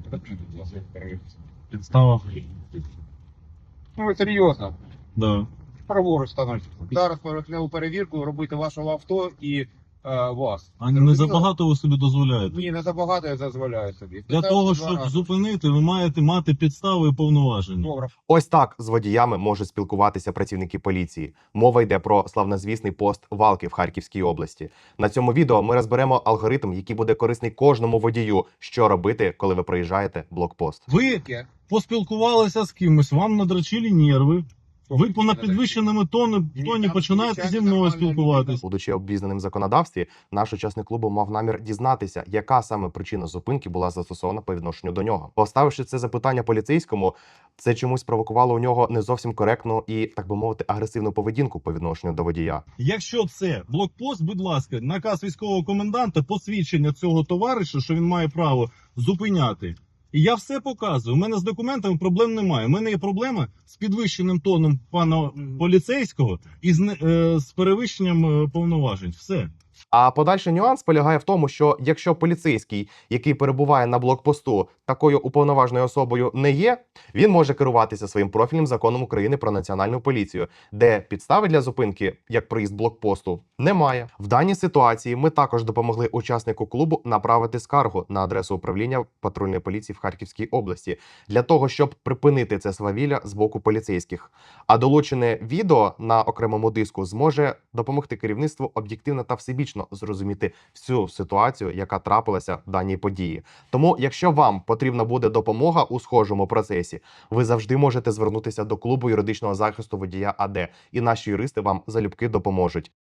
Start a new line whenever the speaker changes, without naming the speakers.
Підстава.
Ну, ви серйозно.
Да.
Праворуч становиться. Зараз поверхневу перевірку робити вашого авто і вас.
А не
Зрозуміло?
забагато ви собі дозволяєте.
Ні, не забагато я дозволяю собі.
Для того, щоб зупинити, ви маєте мати підстави і повноваження.
Добре.
Ось так з водіями можуть спілкуватися працівники поліції. Мова йде про славнозвісний пост Валки в Харківській області. На цьому відео ми розберемо алгоритм, який буде корисний кожному водію, що робити, коли ви проїжджаєте блокпост.
Ви
Таке.
поспілкувалися з кимось, вам надрачили нерви. Ви по підвищеному тоні починаєте зі мною спілкуватись.
Будучи обізнаним в законодавстві, наш учасник клубу мав намір дізнатися, яка саме причина зупинки була застосована по відношенню до нього. Поставивши це запитання поліцейському, це чомусь провокувало у нього не зовсім коректну і, так би мовити, агресивну поведінку по відношенню до водія.
Якщо це блокпост, будь ласка, наказ військового коменданта, посвідчення цього товариша, що він має право зупиняти. І я все показую. У мене з документами проблем немає. У мене є проблема з підвищеним тоном пана поліцейського і з перевищенням повноважень. Все.
А подальший нюанс полягає в тому, що якщо поліцейський, який перебуває на блокпосту, такою уповноваженою особою не є, він може керуватися своїм профільним законом України про національну поліцію, де підстави для зупинки, як проїзд блокпосту, немає. В даній ситуації ми також допомогли учаснику клубу направити скаргу на адресу управління патрульної поліції в Харківській області, для того, щоб припинити це свавілля з боку поліцейських. А долучене відео на окремому диску зможе допомогти керівництву об'єктивно та всебічно зрозуміти всю ситуацію, яка трапилася в даній події. Тому, якщо вам потрібна буде допомога у схожому процесі, ви завжди можете звернутися до клубу юридичного захисту водія АД, і наші юристи вам залюбки допоможуть.